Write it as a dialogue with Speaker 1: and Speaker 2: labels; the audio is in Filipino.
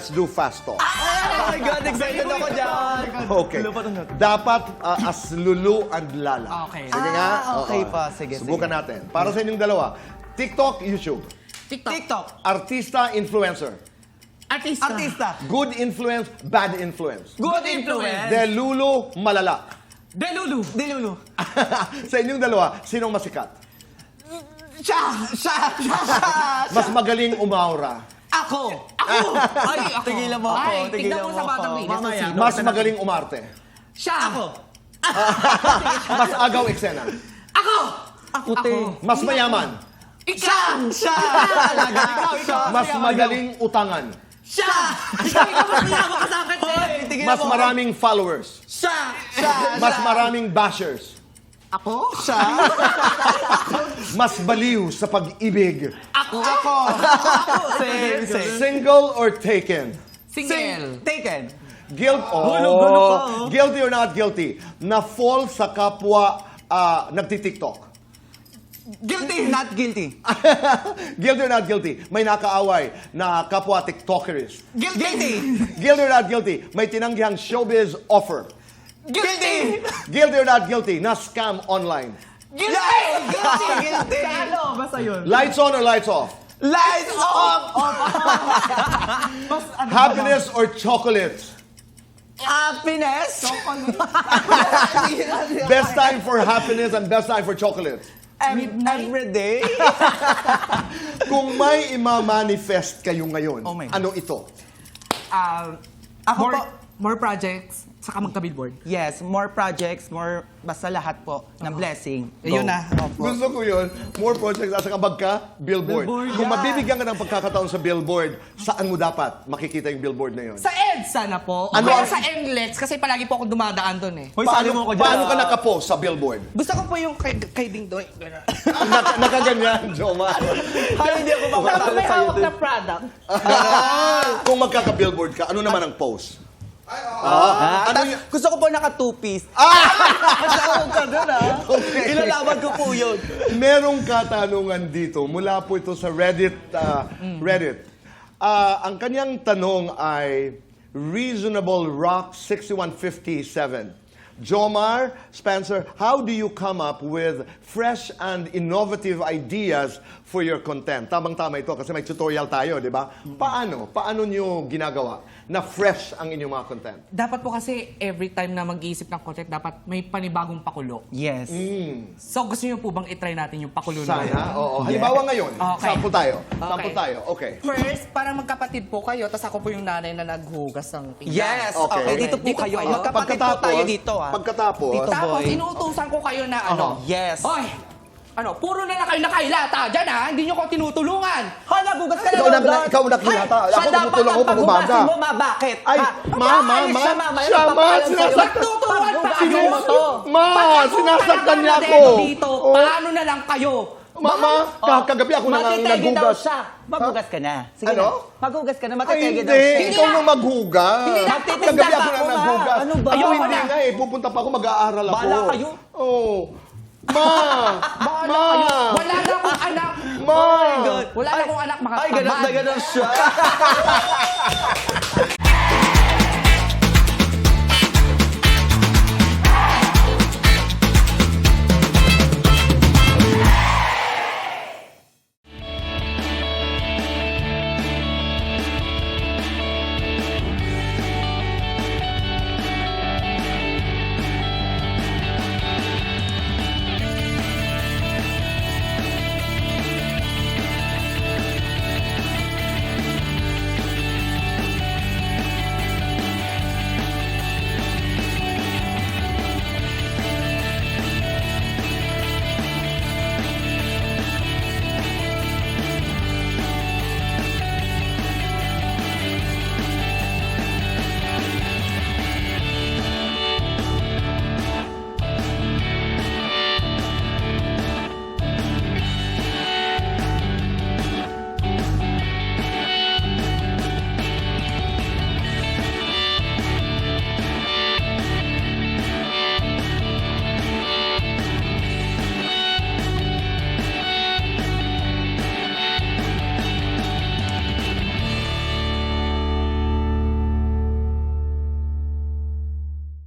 Speaker 1: let's do fast talk.
Speaker 2: Oh my God, excited ako dyan.
Speaker 1: Okay. Dapat as Lulu and Lala.
Speaker 3: Okay.
Speaker 1: Sige nga.
Speaker 2: okay
Speaker 1: Oo.
Speaker 2: pa. Sige,
Speaker 1: Subukan natin. Para sa inyong dalawa. TikTok, YouTube.
Speaker 3: TikTok.
Speaker 1: Artista, influencer.
Speaker 3: Artista.
Speaker 1: Good influence, bad influence.
Speaker 2: Good influence.
Speaker 1: De Lulu, malala.
Speaker 3: Delulu.
Speaker 1: Sa inyong dalawa, sinong masikat?
Speaker 2: Siya.
Speaker 1: Mas magaling umaura.
Speaker 3: Ako. Ay, ako.
Speaker 2: Tigilan mo ako.
Speaker 3: Ay,
Speaker 2: Tigilan
Speaker 3: tignan mo
Speaker 2: mo
Speaker 3: sa
Speaker 2: ako.
Speaker 3: Batang Ligas.
Speaker 2: Mamaya.
Speaker 1: Mas magaling umarte.
Speaker 3: Siya. Ako.
Speaker 1: Mas agaw eksena.
Speaker 3: Ako.
Speaker 2: Puti.
Speaker 1: Mas mayaman.
Speaker 3: Ikaw.
Speaker 2: Siya.
Speaker 1: Mas magaling utangan.
Speaker 3: Siya. Ikaw mas niyawa ka sa akin,
Speaker 2: Hoy,
Speaker 3: eh.
Speaker 2: tigilan
Speaker 1: Mas
Speaker 2: mo.
Speaker 1: maraming followers.
Speaker 3: Siya.
Speaker 1: Mas maraming bashers.
Speaker 3: Ako.
Speaker 2: Siya.
Speaker 1: Mas baliw sa pag-ibig.
Speaker 3: Ako.
Speaker 2: Same.
Speaker 1: Single or taken?
Speaker 3: Single.
Speaker 2: Taken.
Speaker 1: Guilty or not guilty? Na-fall sa kapwa nagtitiktok.
Speaker 2: Guilty. Not guilty.
Speaker 1: Guilty or not guilty? May nakaaway na kapwa tiktokerist.
Speaker 2: Guilty.
Speaker 1: Guilty or not guilty? May tinanggihang showbiz offer.
Speaker 2: Guilty.
Speaker 1: Guilty or not guilty? Na scam online.
Speaker 2: Guilty.
Speaker 3: Ano? Basta yun.
Speaker 1: Lights on or lights off?
Speaker 2: Lights off.
Speaker 1: Happiness or chocolates?
Speaker 2: Happiness.
Speaker 1: Best time for happiness and best time for chocolates.
Speaker 2: Every day.
Speaker 1: Kung may ima-manifest kayo ngayon,
Speaker 2: Oh my God.
Speaker 1: ano ito?
Speaker 2: Ako po.
Speaker 3: More projects, saka magka-billboard.
Speaker 2: Yes, more projects, more, basta lahat po ng blessing.
Speaker 3: Yun
Speaker 2: Go.
Speaker 3: na.
Speaker 2: Opo.
Speaker 1: Gusto ko yun, more projects at saka billboard.
Speaker 2: Billboard,
Speaker 1: Kung
Speaker 2: yeah.
Speaker 1: mabibigyan ka ng pagkakataon sa billboard, saan mo dapat makikita yung billboard na yun?
Speaker 3: Sa EDSA na po.
Speaker 1: Ano
Speaker 3: Kaya
Speaker 1: ang-
Speaker 3: sa NLEX, kasi palagi po ako dumadaan doon eh.
Speaker 2: Hoy, sali mo ko dyan.
Speaker 1: Paano ka nakapost sa billboard?
Speaker 3: Gusto ko po yung kay Ding Doy.
Speaker 1: Nakaganyan, Joma.
Speaker 2: Ay, hindi ako makatalo
Speaker 3: May
Speaker 2: sa'yo
Speaker 3: hawak
Speaker 2: dun.
Speaker 3: na product.
Speaker 1: Kung magkaka-billboard ka, ano naman ang post?
Speaker 2: Ano gusto ko po naka two-piece. Masawag ka dun,
Speaker 1: Okay.
Speaker 2: Ilalaban ko po yun.
Speaker 1: Merong katanungan dito, mula po ito sa Reddit. Ang kanyang tanong ay Reasonable Rock 6157. Jomar, Spencer, how do you come up with fresh and innovative ideas for your content? Tamang-tama ito kasi may tutorial tayo, di ba? Paano? Paano nyo ginagawa na fresh ang inyong mga content?
Speaker 3: Dapat po kasi every time na mag-iisip ng content, dapat may panibagong pakulo.
Speaker 2: Yes.
Speaker 3: So gusto niyo po bang itry natin yung pakulo na yun?
Speaker 1: Sana? Oo. Halimbawa ngayon,
Speaker 3: Okay.
Speaker 1: sample tayo.
Speaker 3: Okay.
Speaker 1: Sample tayo. Okay.
Speaker 3: First, parang magkapatid po kayo, tapos ako po yung nanay na naghugas ng pinggan.
Speaker 2: Yes.
Speaker 1: Okay.
Speaker 2: Okay. Dito po
Speaker 3: Dito
Speaker 2: kayo.
Speaker 3: kayo.
Speaker 2: Magkapatid po tayo dito,
Speaker 1: Pagkatapos,
Speaker 2: Dito.
Speaker 3: Tapos
Speaker 2: boy.
Speaker 3: inuutusan ko kayo na ano.
Speaker 2: Yes.
Speaker 3: Oy! Ano, puro na lang kayo nakailata dyan ha, hindi nyo ko tinutulungan.
Speaker 2: Ha, nagugas ka na
Speaker 1: Ikaw
Speaker 2: lang
Speaker 1: na- ikaw nakilata.
Speaker 2: Siya
Speaker 1: Ako
Speaker 2: dapat
Speaker 1: tumutulong ako
Speaker 2: ang
Speaker 1: pag umaga.
Speaker 2: paghugasin mo, ma, bakit?
Speaker 1: Ay,
Speaker 2: Ha?
Speaker 1: ma,
Speaker 2: Aalis siya, ma,
Speaker 1: siya, ma, sinasaktan.
Speaker 3: Nagtutulungan pa
Speaker 2: Sino
Speaker 3: kayo.
Speaker 2: mo to?
Speaker 1: Ma, sinasaktan niya ako.
Speaker 3: Dito,
Speaker 1: Oh.
Speaker 3: paano na lang kayo?
Speaker 1: Mama, kagabi ako nang
Speaker 2: Matitegi daw
Speaker 1: naghugas.
Speaker 2: siya. Maghugas ka na. Sige
Speaker 1: Ano?
Speaker 2: na. Maghugas ka na,
Speaker 1: Ay,
Speaker 2: matitegi daw
Speaker 1: hindi.
Speaker 2: siya.
Speaker 1: Ikaw nang maghugas.
Speaker 3: Hindi na.
Speaker 2: Magtitinda
Speaker 1: Kagabi
Speaker 2: pa
Speaker 1: ako
Speaker 2: ako,
Speaker 1: nang
Speaker 2: ma.
Speaker 1: naghugas.
Speaker 2: Ano ba?
Speaker 1: Ako
Speaker 3: Ayoko
Speaker 1: hindi
Speaker 3: na.
Speaker 1: nga eh. Pupunta pa ako, mag-aaral ako.
Speaker 2: Bahala kayo.
Speaker 1: Oh. Ma! Ma!
Speaker 3: Wala na akong anak.
Speaker 1: Ma!
Speaker 2: Oh my God.
Speaker 3: Wala na akong anak,
Speaker 2: Ay, ganun na ganun siya.